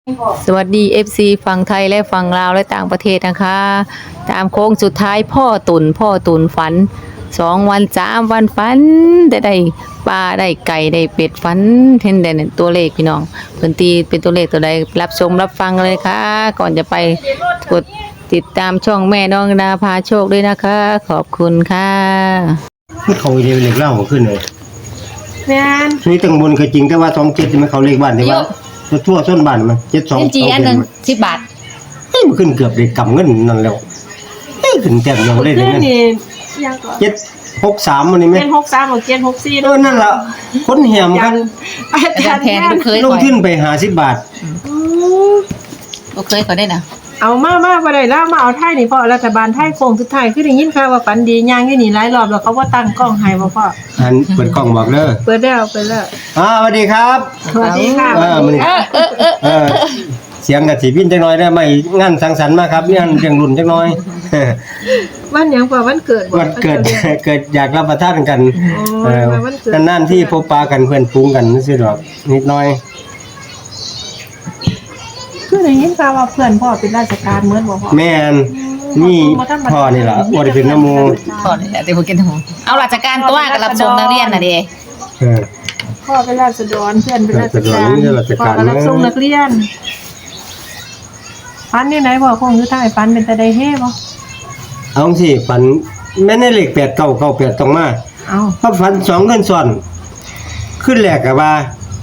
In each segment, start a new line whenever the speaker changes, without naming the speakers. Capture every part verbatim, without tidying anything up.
สวัสดี เอฟ ซี ฝั่งไทยและฝั่งลาวและต่างประเทศนะคะตามโค้งสุดท้ายพ่อตุนพ่อตุนฝันสองวันสามวันฝันได้ได้ปลาได้ไก่ได้เป็ดฝันเห็นแต่ตัวเลขพี่น้องเพิ่นตีเป็นตัวเลขตัวใดรับชมรับฟังเลยค่ะก่อนจะไปกดติดตามช่องแม่น้องดาพาโชคด้วยนะคะขอบคุณค่ะ
มันเขาเรียกเลขเล่าขึ้นเลย
แม่น
นี่ตั้งบนก็จริงแต่ว่าสองเจ็ดมันเขาเลขบ้านแต่ว่าทั่วส้นบ้านมันเจ็ดสอง
จีอันนึงสิบบาท
เฮ้ยมันขึ้นเกือบเลยกำเงินนั่นแล้วเฮ้ยขึ้นแต้มยังได้เลยนั่นเจ็ดหกสามมันนี่ไหม
เจ็ดหกสามหรือเจ็ดหกสี่
เออนั่นแหละคนเหี่ยมกัน
อาจารย์แทนลูกเคย
ลงขึ้นไปหาสิบบาท
ลูกเคยเขาได้นะ
เอามามาบ่ได้แล้วมาเอาไทยนี่พ่อรัฐบาลไทยโคงสุดท้ายคือได้ยินข่าวว่าฝันดีย่างอยู่นี่หลายรอบแล้วเขาว่าตั้งกล้องให้บ่พ่อ
อันเปิดกล้องบอกเด้อ
เปิดแล้วเปิดแล้ว
อ่าสวัสดีครับ
สวัสดีค่ะ
เออมันเออเออเสียงกับสีพินจังน้อยได้ไหมงานสังสรรค์มาครับงานเรียงรุ่นจังน้อย
วันหยังพ่อวันเกิด
วันเกิดเกิดอยากรับประทานกันเออนานๆที่พบปะกันเพื่อนฟุ้งกันซื่อดอกนิดหน่อย
คือได้ยินข่าวว่าเพื่อนพ่อเป็นราชการเหมือนบ่พ่อ
แม่นนี่พ่อนี่ล่ะบ่ได้เป็นน้ำมู
พ่อนี่แหละที่บ่กินทั้งหมดเอาราชการตัวกับรับชมนักเรียนน่ะเด้
เออ
พ่อเป็นราษฎรเพื่อนเป็นราชการพ่อก็รับส่งนักเรียนฝันนี่ไหนบ่คงอยู่ใต้ฝันเป็นตาได้เฮบ่
เอาสิฝันแม่นเลขแปด เก้า เก้า แปดต้องมา
เอ้า
พอฝันสองคืนซ้อนขึ้นแรกก็ว่า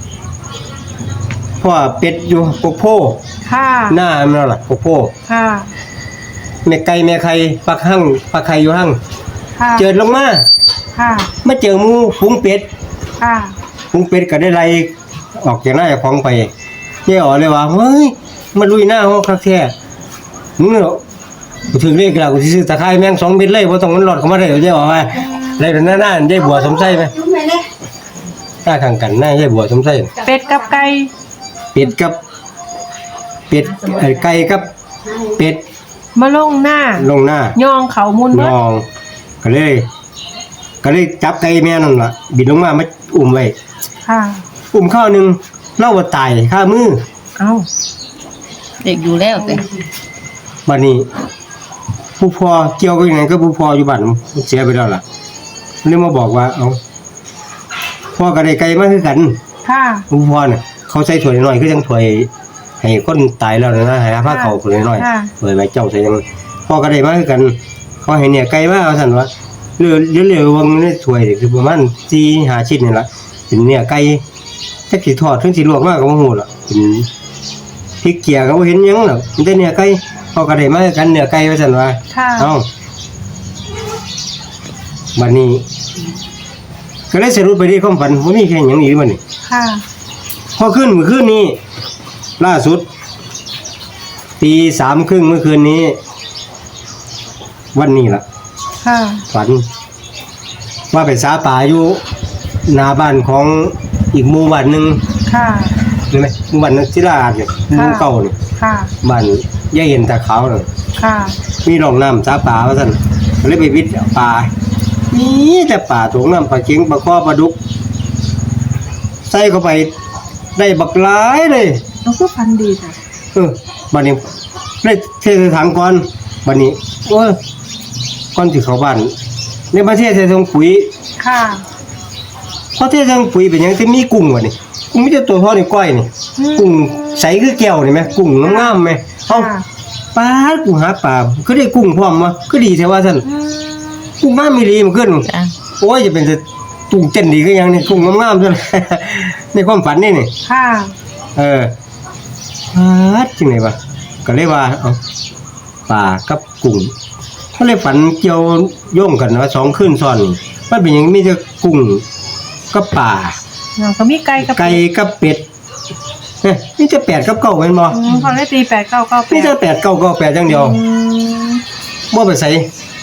พ่อเป็ดอยู่ปกโพ
ค่ะ
หน้ามันล่ะปกโพ
ค่ะ
แม่ไก่แม่ไข่ปักหั่งปักไข่อยู่หั่ง
ค่ะ
เจิดลงมา
ค่ะ
มาเจอหมูฝูงเป็ด
ค่ะ
ฝูงเป็ดก็ได้ไล่ออกจากหน้าของไปเนี่ยอ๋อเลยว่าเฮ้ยมาลุยหน้าเฮาคักแท้มึงเนาะกูถึงเลขแล้วกูสิซื้อตะไคร้แม่งสองเม็ดเลยบ่ต้องมันหลอดเข้ามาได้เด้อว่าได้หน้าหน้าได้บัวสมไส้มั้ยหน้าข้างกันหน้าได้บัวสมไส้
เป็ดกับไก่
เป็ดกับเป็ดไก่กับเป็ด
มาลงหน้า
ลงหน้า
ย่องเขามุน
ย่องก็เลยก็เลยจับไก่แม่นั่นล่ะบินลงมามาอุ้มไว้
ค่ะ
อุ้มข้าวนึงเล่าว่าตายคามือ
เอ้า
เด็กอยู่แล้วแต่
บัดนี้ผู้พ่อเกี่ยวกับยังไงก็ผู้พ่ออยู่บ้านเสียไปแล้วล่ะเลยมาบอกว่าเอ้าพ่อกับไก่มาคือกัน
ค่ะ
ผู้พ่อน่ะเขาใส่ถ้วยน้อยคือจังถ้วยให้คนตายแล้วนะให้ผ้าเขาถ้วยน้อยถ้วยไว้เจ้าใส่จังพ่อกับไก่มาคือกันเขาให้เนี่ยไก่มาเอาซั่นว่าเรือเรือๆวงในถ้วยคือประมาณสี่ ห้าชิ้นนี่ล่ะเป็นเนี่ยไก่จักสิทอดถึงสิลวกมาก็บ่ฮู้ล่ะเป็นพริกเกียก็บ่เห็นหยังหรอกมีแต่เนี่ยไก่พอก็ได้มากันเนี่ยไก่ว่าซั่นว่าเอ้าบัดนี้ก็เลยสรุปไปที่ความฝันบ่มีแค่หยังอีกบัดนี้
ค่ะ
พอขึ้นเมื่อคืนนี้ล่าสุดตีสามครึ่งเมื่อคืนนี้วันนี้ล่ะ
ค่ะ
ฝันว่าไปสาป่าอยู่หน้าบ้านของอีกหมู่บ้านนึง
ค่ะ
เห็นมั้ยหมู่บ้านนั้นศิลาอาดเนี่ยหมู่เก่านี่
ค่ะ
บ้านยายเห็นตาขาวนั่น
ค่ะ
มีร่องน้ำสาป่าว่าซั่นก็เลยไปวิทย์ป่ามีแต่ป่าตรงน้ำปลาเข็งปลาคอปลาดุกใส่เข้าไปได้บักหลายเลย
เราก็ฝันดีจ้ะ
เออบัดนี้ได้เทใส่ถังก่อนบัดนี้โอ้ยก่อนสิเข้าบ้านในประเทศใส่ถุงปุ๋ย
ค่ะ
พอเทใส่ถุงปุ๋ยเป็นหยังที่มีกุ้งวะนี่กุ้งมีแต่ตัวเท่านิ้วก้อยนี่กุ้งใสคือแก้วนี่มั้ยกุ้งงามๆมั้ยเอ้าปลากูหาปลาคือได้กุ้งพร้อมวะคือดีแท้ว่าซั่นกุ้งงามอีหลีมันขึ้นโอ้ยจะเป็นจะตุ้งเต้นดีคือหยังนี่กุ้งงามๆซั่นในความฝันนี่นี่
ค่ะ
เออปลาจังได๋วะก็เลยว่าเอ้าปลากับกุ้งก็เลยฝันเกี่ยวโยงกันว่าสองคืนซ้อนนี่มันเป็นหยังมีแต่กุ้งกับปลา
แล้วก็มีไก่กับ
ไก่กับเป็ดเฮ้ยมีแต่แปดกับเก้าแม่นบ่
อืมเขาได้ตีแปด เก้า เก้า แปด
มีแต่แปด เก้า เก้า แปดอย่างเดียวอืมบ่ไปใส่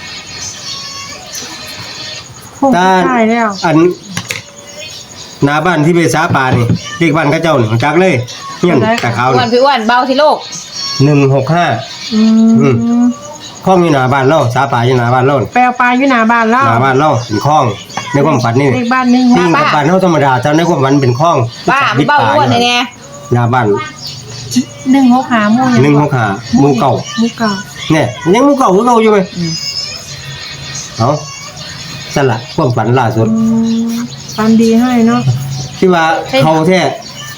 ตาใช่แล้ว
อันหน้าบ้านที่ไปสาป่านี่เรียกบ้านเขาเจ้านี่จักเลยเฮียนตะขาว
อ้วนพี่อ้วนเบาที่โลก
หนึ่งหกห้า
อืม
คลองอยู่หน้าบ้านเราสาป่าอยู่หน้าบ้านเรา
แปลปลาอยู่หน้าบ้านเรา
หน้าบ้านเราเป็นคลองในความฝันนี่
เลขบ้านนึง
จริงกับบ้านเฮาธรรมดาแต่ในความฝันเป็นคลอง
บ้าเบาอ้วนแน่
หน้าบ้าน
หนึ่งหกห้าหมู่ยัง
หนึ่งหกห้าหมู่เก่า
หมู่เก่า
เนี่ยยังหมู่เก่าคือเก่าอยู่ไหม
อืม
เอาสละความฝันล่าสุด
อืมฝันดีให้เนาะ
ที่ว่าเขาแท้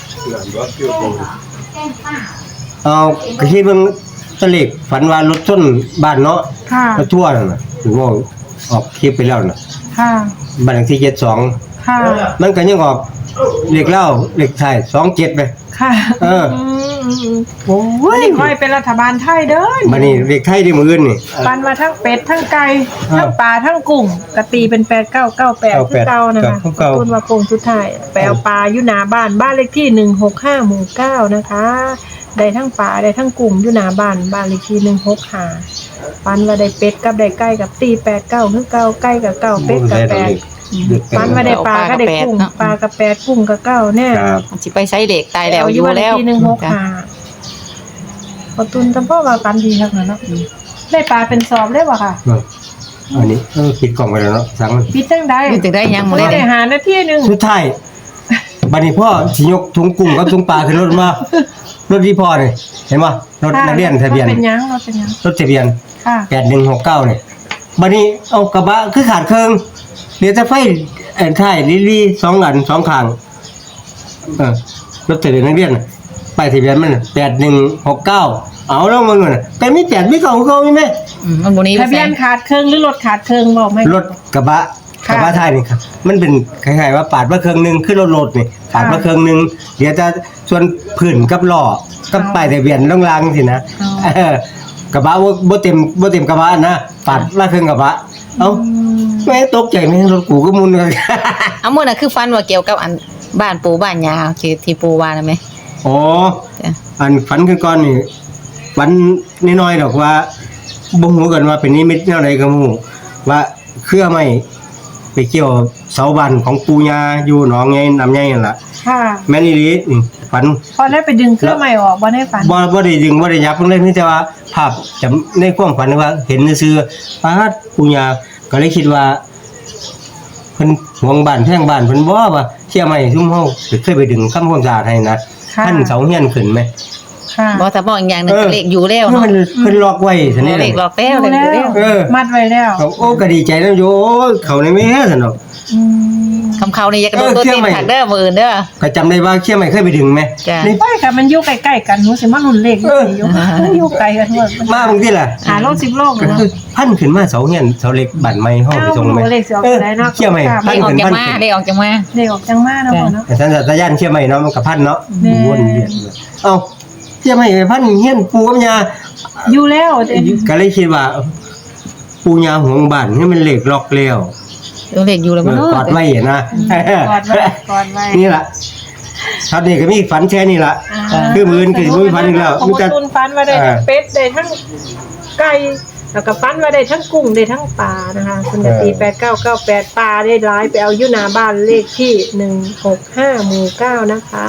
เอาก็คิดเบิ่งตะเล็กฝันว่ารถชนบ้านเนาะ
ค่ะ
รถทั่วนั่นน่ะถึงว่าออกคลิปไปแล้วน่ะ
ค่ะ
บ้านเลขที่เจ็ดสอง
ค่ะ
มันก็ยังออกเลขเล่าเลขไทยสองเจ็ดไป
ค่ะ
เออ
ม
โอ้
วัน
ย
นี้ค่อยเป็นรัฐบาลไทยเด้อ
บัดนี้เลขไทยที่มื้ออื่นนี่
ปันมาทั้งเป็ดทั้งไก่
อ่า
ทั้งปลาทั้งกุ้งกะตีเป็นแปดเก้าเก้าแปดคือเก่านะคะ
คือเก่า
คุณว่าโกงสุดท้ายไปเอาปลาอยู่หน้าบ้านบ้านเลขที่หนึ่งหกห้าหมู่เก้านะคะได้ทั้งปลาได้ทั้งกุ้งอยู่หน้าบ้านบ้านเลขที่หนึ่งหกห้าปันว่าได้เป็ดกับได้ไก่กับตีแปดเก้าคือเก่าไก่กับเก้าเป็ดกับแปด ปันมาได้ปลาก็ได้กุ้งปลากับแปดกุ้งกับเก้าแน่
ครับ
มันสิไปไสเด็กตายแล้วอยู่แล้ว
ทีหนึ่งหกห้าประตุนจำพ่อว่าปันดีครับเนาะได้ปลาเป็นสอบได้ป่ะค่ะ
เนาะอันนี้เออปิดกล่องไปแล้วเนาะสั่งมัน
ปิดจังได้
อยู่ถึงได้ยังบ่
ไม่
ได้
ได้หาหน้าที่หนึ่ง
สุดท้ายบัดนี้พ่อสิยกถุงกุ้งกับถุงปลาขึ้นรถมารถที่พ่อนี่เห็นบ่รถนักเรียนทะเบียน
เป็นยังเราเป็นยัง
รถทะเบียน
ค่ะ
แปดหนึ่งหกเก้านี่บัดนี้เอากระบะคือขาดเครื่องเดี๋ยวจะไฟเอ่อท้ายลิลี่สองอันสองข้างเออรถทะเบียนนักเรียนน่ะป้ายทะเบียนมันแปดหนึ่งหกเก้าเอาแล้วมันน่ะแต่มีแปดมีเก้าของเขามีไหม
อืมมันบ่นี้
ทะเบียนขาดเครื่องหรือรถขาดเครื่องบอกไหม
รถกระบะ
ค่ะ
กระบะท้ายนี่ครับมันเป็นคล้ายๆว่าปาดมาเครื่องหนึงขึ้นรถรถนี่ปาดมาเครื่องหนึงเดี๋ยวจะส่วนพื้นกับล้อกับป้ายทะเบียนล่างๆสินะเออกระบะบ่บ่เต็มบ่เต็มกระบะนะปาดมาเครื่องกระบะเอ้า
อืม
แม่ตกใจแม่งรถกูก็มุนเลย
เอามื้อน่ะคือฟันว่าเกี่ยวกับอันบ้านปู่บ้านยาที่ที่ปู่ว่าน่ะแม่
โอ้
จ้ะ
อันฝันขึ้นก่อนนี่ฝันน้อยๆดอกว่าบ่ฮู้กันว่าเป็นนิมิตแนวใดก็บ่ฮู้ว่าเครือไม้ไปเกี่ยวเสาบ้านของปู่ย่าอยู่หนองไงน้ำใหญ่นั่นล่ะ
ค่ะ
แม่นอีหลีนี่ฝัน
พอได้ไปดึงเครื่องใหม่ออกบ่ได้ฝัน
บ่บ่ได้ดึงบ่ได้ยับมันเลยมีแต่ว่าภาพจำในความฝันว่าเห็นซื่อๆปาดปู่ย่าก็เลยคิดว่าเพิ่นห่วงบ้านแพงบ้านเพิ่นบ่ว่าเชื่อไหมซุมเฮาเคยไปดึงทำความสะอาดให้นะ
ค่ะ
ท่านเสาเฮียนขึ้นไหม
ค่ะ
บ่ถ้าบอกอีกอย่างหนึง
เออ
ก็เลขอยู่แล้ว
เพิ่
เนาะ
นเพิ่นล็อกไว้ซั่นนี่
เลขหลอกแล้วเลขอยู่แล้ว
เออ
มัดไว้แล้ว
โอ้ก็ดีใจแล้วโยเขาในแม่ซั่นเนาะ
อืม
คำเขานี่อย่ากระโดด
เออ
ตัว
เชื่
ตี
อน ไหม
ผักเด้อมื้ออื่นเด้อ
ก็จำได้ว่าเชื่อไหมเคยไปดึงไหม
จ้ะ
นี่
ไปค่ะมันอยู่ใกล้ๆกันหนูสิมารุ่นเลขอยู่สิอยู่อยู่ไกลกันหมด
มาบางทีล่ะ
หาโลกสิบโลก
ก็
เนาะ
คือพันขึ้นมาเสาเฮียนเสาเล็กบั่นไม้ห้องไปส่งไหม
เอาเลขสิออก
เออ
ไปได้เนาะ
เชื่อไหม
ค่ะ
พั
เล
น
ขออก
ขึ้น
จัง
พัน
มา
ขึ้น
เลขออกจังมา
เลขออกจังมาเนาะพ่อเนาะ
แต่สันสัตยานเชื่อไหมเนาะมันกับพันเนาะ
แม่
วนเวียนเอ้าเชื่อไหมไปพันเฮียนปูกับยา
อยู่แล้วเด้
ก็เลยคิดว่า ปูยาห่วงบ้านให้มันเหล็กล็อกแล้ว
เลขอยู่แล้ว
เอ
บ่
อ
เนาะ
กอดไว้นะ
กอดไว้กอดไว้
นี่ล่ะครับนี่ก็มีฝันแค่นี้ล่ะ
า
คือมื้ออื่นก็สิบ่มีฝันอีกแล้ว
ของ
มีแต่
คุณฟันว่าได้ทั้งเป็ดได้ทั้งไก่แล้วก็ฟันว่าได้ทั้งกุ้งได้ทั้งปลานะคะคุณจะตีแปดเก้าเก้าแปดปลาได้ร้ายไปเอาอยู่หน้าบ้านเลขที่หนึ่งหกห้าหมู่เก้านะคะ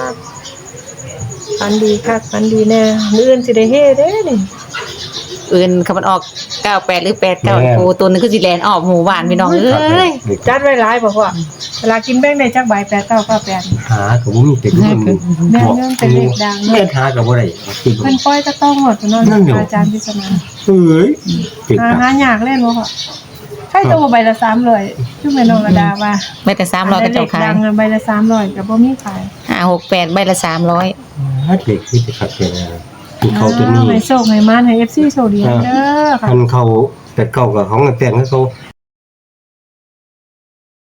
ฟันดีค่ะฟันดีแน่มื้ออื่นสิได้เฮ็ดเด้นี่
อื่นคำมันออกเก้าแปดหรือแปดเก้า
แม่น
ปูตัวหนึงคือสิแลนออกหมู่บ้านพี่น้องเอ้ย
จัดไว้หลายบอกว่าเวลากินแป้งได้จักใบแปดเก้าเก้าแปด
หาก็บ่มีเป็นคน
แม่นเรื่องเป็นเลขดัง
แม่นหาก็บ่ได้คิด
เพิ่นปล่อยก็ต้องหมดเนาะ
นั่นอยู่
อาจารย์พิศนา
เอ้ยติด
หา
ตา
หายากเล่นบ่ค่ะใครตัวใบละสามร้อยคือแม่นองระดาว่า
ไม่แต่สามร้อยก็เจ้าขาย
ดังใบละสามร้อยก็บ่มีขาย
ห้าหกแปดใบละสามร้อย
ฮัดเด็กที่จะขัดเป็นอะไรคือเขาตัวนี้
ให้โชคให้มานให้ เอฟ ซี โชคดีเด้อค่ะ
มันเขาแต่เก่ากับของแต่งเขา